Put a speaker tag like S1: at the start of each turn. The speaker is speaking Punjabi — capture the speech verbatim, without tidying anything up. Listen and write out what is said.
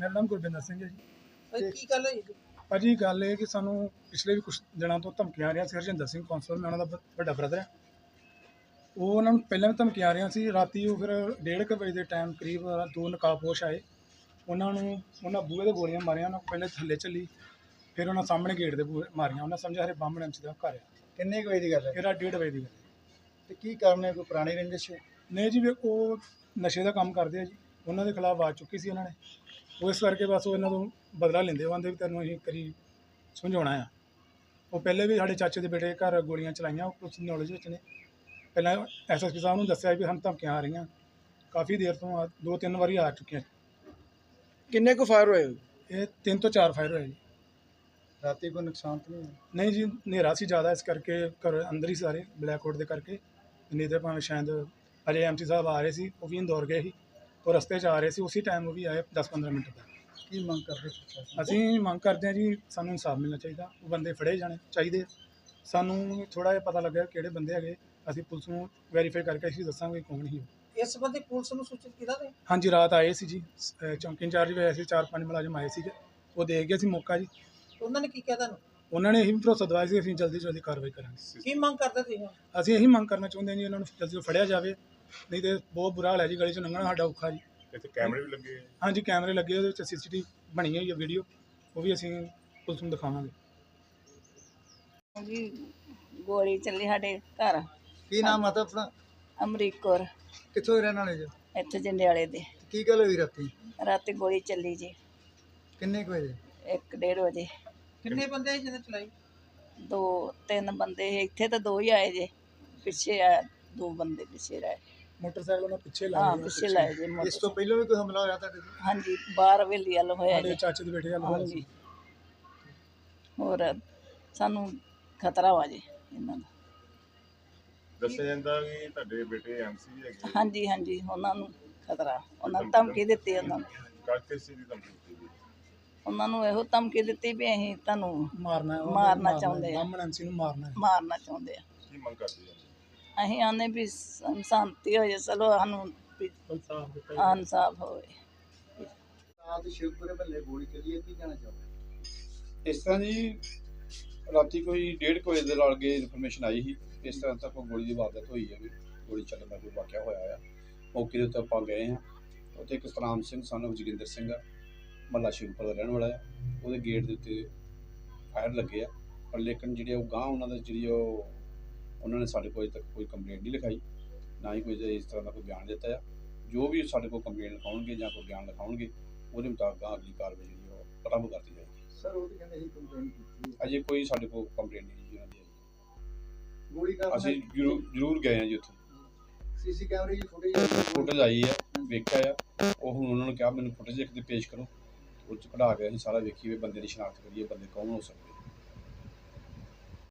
S1: ਮੇਰਾ ਨਾਮ ਗੁਰਵਿੰਦਰ ਸਿੰਘ ਹੈ ਜੀ।
S2: ਭਾਈ ਕੀ ਗੱਲ ਹੋਈ?
S1: ਭਾਜੀ ਗੱਲ ਇਹ ਕਿ ਸਾਨੂੰ ਪਿਛਲੇ ਵੀ ਕੁਛ ਦਿਨਾਂ ਤੋਂ ਧਮਕੀਆਂ ਆ ਰਹੀਆਂ ਸੀ। ਹਰਜਿੰਦਰ ਸਿੰਘ ਕੌਂਸਲ, ਮੈਂ ਉਹਨਾਂ ਦਾ ਬ- ਵੱਡਾ ਬ੍ਰਦਰ ਹੈ। ਉਹ ਉਹਨਾਂ ਨੂੰ ਪਹਿਲਾਂ ਵੀ ਧਮਕੀਆਂ ਆ ਰਹੀਆਂ ਸੀ। ਰਾਤੀ ਉਹ ਫਿਰ ਡੇਢ ਕੁ ਵਜੇ ਦੇ ਟਾਈਮ ਕਰੀਬ ਦੋ ਨਕਾਬਪੋਸ਼ ਆਏ। ਉਹਨਾਂ ਨੂੰ ਉਹਨਾਂ ਬੂਹੇ ਦੇ ਗੋਲੀਆਂ ਮਾਰੀਆਂ। ਉਹਨਾਂ ਪਹਿਲੇ ਥੱਲੇ ਚੱਲੀ, ਫਿਰ ਉਹਨਾਂ ਸਾਹਮਣੇ ਗੇਟ ਦੇ ਬੂਹੇ ਮਾਰੀਆਂ। ਉਹਨਾਂ ਸਮਝਿਆ ਹਰੇ ਬਾਹਮਣ ਐਮ ਸੀ ਦਾ ਘਰ ਆ।
S3: ਕਿੰਨੇ ਕੁ ਵਜੇ ਦੀ ਗੱਲ ਹੈ
S1: ਇਹਦਾ ਡੇਢ ਵਜੇ ਦੀ ਗੱਲ।
S3: ਤੇ ਕੀ ਕਾਰਨ ਹੈ? ਕੋਈ ਪੁਰਾਣੀ ਰੰਜਿਸ਼ ਹੈ?
S1: ਨਹੀਂ ਜੀ, ਵੀ ਉਹ ਨਸ਼ੇ ਦਾ ਕੰਮ ਕਰਦੇ ਆ ਜੀ। ਉਹਨਾਂ ਦੇ ਖਿਲਾਫ ਆਵਾਜ਼ ਚੁੱਕੀ ਸੀ ਉਹਨਾਂ ਨੇ। ਉਹ ਇਸ ਕਰਕੇ ਬਸ ਉਹ ਇਹਨਾਂ ਤੋਂ ਬਦਲਾ ਲੈਂਦੇ। ਉਹ ਆਂਦੇ ਵੀ ਤੈਨੂੰ ਅਸੀਂ ਕਰੀ ਸਮਝਾਉਣਾ ਆ। ਉਹ ਪਹਿਲੇ ਵੀ ਸਾਡੇ ਚਾਚੇ ਦੇ ਬੇਟੇ ਘਰ ਗੋਲੀਆਂ ਚਲਾਈਆਂ। ਉਹ ਕੁਛ ਨੌਲੇਜ ਵਿੱਚ ਨੇ। ਪਹਿਲਾਂ ਐਸ ਐਸ ਪੀ ਸਾਹਿਬ ਨੂੰ ਦੱਸਿਆ ਵੀ ਸਾਨੂੰ ਧਮਕੀਆਂ ਆ ਰਹੀਆਂ। ਕਾਫੀ ਦੇਰ ਤੋਂ ਆ, ਦੋ ਤਿੰਨ ਵਾਰੀ ਆ ਚੁੱਕੀਆਂ।
S2: ਕਿੰਨੇ ਕੁ ਫਾਇਰ ਹੋਏ?
S1: ਇਹ ਤਿੰਨ ਤੋਂ ਚਾਰ ਫਾਇਰ ਹੋਏ ਜੀ।
S3: ਰਾਤੀ ਕੋਈ ਨੁਕਸਾਨ ਤਾਂ ਨਹੀਂ ਹੋਇਆ?
S1: ਨਹੀਂ ਜੀ, ਹਨੇਰਾ ਸੀ ਜ਼ਿਆਦਾ, ਇਸ ਕਰਕੇ ਘਰ ਅੰਦਰ ਹੀ ਸਾਰੇ ਬਲੈਕਆਊਟ ਦੇ ਕਰਕੇ। ਨਹੀਂ ਤਾਂ ਭਾਵੇਂ ਸ਼ਾਇਦ ਅਜੇ ਐਮ ਸੀ ਸਾਹਿਬ ਆ ਰਹੇ ਸੀ, ਉਹ ਵੀ ਇੰਦੌਰ ਗਏ ਸੀ। ਉਹ ਰਸਤੇ 'ਚ ਆ ਰਹੇ ਸੀ, ਉਸੇ ਟਾਈਮ ਉਹ ਵੀ ਆਏ ਦਸ ਪੰਦਰਾਂ ਮਿੰਟ ਤੱਕ।
S3: ਕੀ ਮੰਗ ਕਰਦੇ ਪ੍ਰਸ਼ਾਸਨ?
S1: ਅਸੀਂ ਮੰਗ ਕਰਦੇ ਹਾਂ ਜੀ, ਸਾਨੂੰ ਇਨਸਾਫ ਮਿਲਣਾ ਚਾਹੀਦਾ। ਉਹ ਬੰਦੇ ਫੜੇ ਜਾਣੇ ਚਾਹੀਦੇ। ਸਾਨੂੰ ਥੋੜ੍ਹਾ ਜਿਹਾ ਪਤਾ ਲੱਗਾ ਕਿਹੜੇ ਬੰਦੇ ਹੈਗੇ। ਅਸੀਂ ਪੁਲਿਸ ਨੂੰ ਵੈਰੀਫਾਈ ਕਰਕੇ ਅਸੀਂ ਦੱਸਾਂਗੇ ਕੌਣ ਸੀ ਉਹ।
S2: ਇਸ ਸੰਬੰਧੀ ਪੁਲਿਸ ਨੂੰ ਸੂਚਿਤ ਕੀਤਾ ਤੇ
S1: ਹਾਂਜੀ, ਰਾਤ ਆਏ ਸੀ ਜੀ। ਅਹ ਚੌਂਕੀ ਇੰਚਾਰਜ ਵੀ ਆਏ ਸੀ, ਚਾਰ ਪੰਜ ਮੁਲਾਜ਼ਮ ਆਏ ਸੀਗੇ। ਉਹ ਦੇਖ ਗਏ ਸੀ ਮੌਕਾ ਜੀ।
S2: ਉਹਨਾਂ ਨੇ ਕੀ ਕਿਹਾ ਤੁਹਾਨੂੰ?
S1: ਉਹਨਾਂ ਨੇ ਇਹੀ ਭਰੋਸਾ ਦਵਾਇਆ ਸੀ ਅਸੀਂ ਜਲਦੀ ਤੋਂ ਜਲਦੀ ਕਾਰਵਾਈ ਕਰਾਂਗੇ।
S2: ਕੀ ਮੰਗ ਕਰਦੇ ਤੁਸੀਂ?
S1: ਅਸੀਂ ਇਹੀ ਮੰਗ ਕਰਨਾ ਚਾਹੁੰਦੇ ਹਾਂ ਜੀ, ਇਹਨਾਂ ਨੂੰ ਜਲਦੀ ਤੋਂ ਫੜਿਆ ਜਾਵੇ। ਨਹੀਂ ਤੇ ਬਹੁਤ ਬੁਰਾ ਹਾਲ ਹੈ ਜੀ, ਗਲੀ 'ਚੋਂ ਲੰਘਣਾ ਸਾਡਾ ਔਖਾ ਜੀ।
S4: ਇੱਥੇ ਕੈਮਰੇ ਵੀ ਲੱਗੇ?
S1: ਹਾਂਜੀ, ਕੈਮਰੇ ਲੱਗੇ, ਉਹਦੇ ਵਿੱਚ ਸੀ ਸੀ ਟੀ ਵੀ ਬਣੀ ਹੋਈ ਹੈ ਵੀਡੀਓ। ਉਹ ਵੀ ਅਸੀਂ ਪੁਲਿਸ ਨੂੰ ਦਿਖਾਵਾਂਗੇ।
S5: ਜੀ ਗੋਲੀ ਚੱਲੀ ਸਾਡੇ ਘਰ।
S3: ਕੀ ਨਾਮ ਆ ਆਪਣਾ?
S5: ਅਮਰੀਕ ਕੌਰ,
S3: ਕਿੱਥੋਂ ਦੇ ਰਹਿਣ ਵਾਲੇ ਜੀ?
S5: ਇੱਥੇ ਜੰਡਿਆਲੇ ਦੇ।
S3: ਕੀ ਗੱਲ ਹੋਈ ਰਾਤੀ?
S5: ਰਾਤੀ ਗੋਲੀ ਚੱਲੀ ਜੀ
S3: ਕਿੰਨੇ ਕੁ ਵਜੇ?
S5: ਇੱਕ ਡੇਢ ਵਜੇ।
S2: ਕਿੰਨੇ ਬੰਦੇ ਸੀ ਜਿਹਨੇ ਚਲਾਈ?
S5: ਦੋ ਤਿੰਨ ਬੰਦੇ ਸੀ। ਇੱਥੇ ਤਾਂ ਦੋ ਹੀ ਆਏ ਜੇ, ਪਿੱਛੇ ਆ ਦੋ ਬੰਦੇ ਪਿੱਛੇ ਰਹੇ।
S1: ਮੋਟਰਸਾਈਕਲ ਉਹਨਾਂ ਪਿੱਛੇ
S5: ਹਾਂ
S1: ਲਾਏ
S5: ਪਿੱਛੇ ਲਾਏ ਜੇ
S3: ਇਸ ਤੋਂ
S5: ਮੋਟਰ।
S3: ਪਹਿਲਾਂ ਵੀ ਕੋਈ ਹਮਲਾ ਹੋਇਆ ਤੁਹਾਡੇ ਤੇ?
S5: ਹਾਂਜੀ, ਬਾਹਰ ਹਵੇਲੀ ਵੱਲ ਹੋਇਆ
S1: ਸਾਡੇ
S5: ਜੀ।
S1: ਚਾਚੇ ਦੇ ਬੇਟੇ ਦਾ ਹਾਲ ਸੀ।
S5: ਹਾਂਜੀ, ਹੋਰ ਸਾਨੂੰ ਖਤਰਾ ਵਾ ਜੀ ਇਹਨਾਂ ਦਾ।
S4: ਦੱਸਿਆ ਜਾਂਦਾ ਵੀ ਤੁਹਾਡੇ ਬੇਟੇ ਐਮ ਸੀ ਵੀ ਹੈਗੇ।
S5: ਹਾਂਜੀ ਹਾਂਜੀ, ਉਹਨਾਂ ਨੂੰ ਖਤਰਾ। ਉਹਨਾਂ ਨੂੰ ਧਮਕੀ ਦਿੱਤੀ। ਉਹਨਾਂ ਨੂੰ
S4: ਕਾਕੇ ਸੀ ਦੀ ਧਮਕੀ ਦਿੱਤੀ ਗਈ।
S5: ਉਹਨਾਂ ਨੂੰ ਇਹੋ ਧਮਕੀ ਦਿੱਤੀ ਵੀ ਅਸੀਂ ਤੁਹਾਨੂੰ
S1: ਮਾਰਨਾ ਹੈ,
S5: ਮਾਰਨਾ ਚਾਹੁੰਦੇ ਆ।
S1: ਬਾਹਮਣ ਐਮ ਸੀ ਨੂੰ ਮਾਰਨਾ ਹੈ।
S5: ਮਾਰਨਾ ਚਾਹੁੰਦੇ ਆ।
S4: ਕੀ ਮੰਗ ਕਰਦੇ ਹੋ?
S5: ਅਸੀਂ ਆਨੇ ਵੀ ਸਾਨੂੰ ਸ਼ਾਂਤੀ ਹੋ ਜਾਏ। ਚਲੋ ਸਾਨੂੰ ਵੀ
S1: ਇਨਸਾਫ਼ ਦਿੱਤਾ ਜਾਵੇ।
S5: ਇਨਸਾਫ ਹੋਵੇ।
S3: ਰਾਤ ਸ਼ਿਵਪੁਰੇ ਮਹੱਲੇ ਗੋਲੀ ਚੱਲੀ ਹੈ, ਕੀ ਕਹਿਣਾ ਚਾਹੋਗੇ?
S6: ਇਸ ਤਰ੍ਹਾਂ ਜੀ, ਰਾਤੀ ਕੋਈ ਡੇਢ ਕੁ ਵਜੇ ਦੇ ਲਾਗੇ ਇਨਫੋਰਮੇਸ਼ਨ ਆਈ ਸੀ ਇਸ ਤਰ੍ਹਾਂ ਤੱਕ ਗੋਲੀ ਦੀ ਵਾਰਦਾਤ ਹੋਈ ਹੈ ਵੀ ਗੋਲੀ ਚੱਲਣ ਦਾ ਕੋਈ ਵਾਕਿਆ ਹੋਇਆ ਆ। ਮੌਕੇ ਦੇ ਉੱਤੇ ਆਪਾਂ ਗਏ ਹਾਂ। ਉੱਥੇ ਇੱਕ ਸਤਨਾਮ ਸਿੰਘ ਸਾਨੂੰ ਜੋਗਿੰਦਰ ਸਿੰਘ ਆ, ਮਹੱਲਾ ਸ਼ਿਵਪੁਰ ਦਾ ਰਹਿਣ ਵਾਲਾ ਆ। ਉਹਦੇ ਗੇਟ ਦੇ ਉੱਤੇ ਫਾਇਰ ਲੱਗੇ ਆ, ਪਰ ਲੇਕਿਨ ਜਿਹੜੇ ਉਹ ਗਾਂਹ ਉਹਨਾਂ ਦਾ ਜਿਹੜੀ ਉਹ ਉਹਨਾਂ ਨੇ ਸਾਡੇ ਕੋਲ ਅਜੇ ਤੱਕ ਕੋਈ ਕੰਪਲੇਂਟ ਨਹੀਂ ਲਿਖਾਈ, ਨਾ ਹੀ ਕੋਈ ਇਸ ਤਰ੍ਹਾਂ ਦਾ ਕੋਈ ਬਿਆਨ ਦਿੱਤਾ ਆ। ਜੋ ਵੀ ਸਾਡੇ ਕੋਲ ਕੰਪਲੇਂਟ ਲਿਖਾਉਣਗੇ ਜਾਂ ਕੋਈ ਬਿਆਨ ਲਿਖਾਉਣਗੇ, ਉਹਦੇ ਮੁਤਾਬਕ ਅਗਾਂਹ ਅਗਲੀ ਕਾਰਵਾਈ ਜਿਹੜੀ ਉਹ ਆਰੰਭ ਕਰਤੀ ਜਾਏਗੀ।
S3: ਸਰ ਉਹ ਤਾਂ ਕਹਿੰਦੇ ਸੀ ਕੰਪਲੇਂਟ ਕੀਤੀ ਹੈ।
S6: ਅਜੇ ਕੋਈ ਸਾਡੇ ਕੋਲ ਕੰਪਲੇਂਟ ਨਹੀਂ ਜੀ ਉਹਨਾਂ ਦੀ ਆਈ।
S3: ਗੋਲੀ ਕਾਰਨ
S6: ਅਸੀਂ ਜ਼ਰੂਰ ਜ਼ਰੂਰ ਗਏ ਹਾਂ ਜੀ ਉੱਥੇ।
S3: ਸੀਸੀ ਕੈਮਰੇ ਦੀ ਫੁਟੇਜ
S6: ਫੁਟੇਜ ਆਈ ਹੈ, ਵੇਖਿਆ ਆ। ਉਹ ਹੁਣ ਉਹਨਾਂ ਨੂੰ ਕਿਹਾ ਮੈਨੂੰ ਫੁਟੇਜ ਇੱਕ ਦੇ ਪੇਸ਼ ਕਰੋ। ਉਹ 'ਚ ਕਢਾ ਕੇ ਅਸੀਂ ਸਾਰਾ ਵੇਖੀਏ, ਬੰਦੇ ਦੀ ਸ਼ਨਾਖਤ ਕਰੀਏ, ਬੰਦੇ ਕੌਣ ਹੋ ਸਕਦੇ।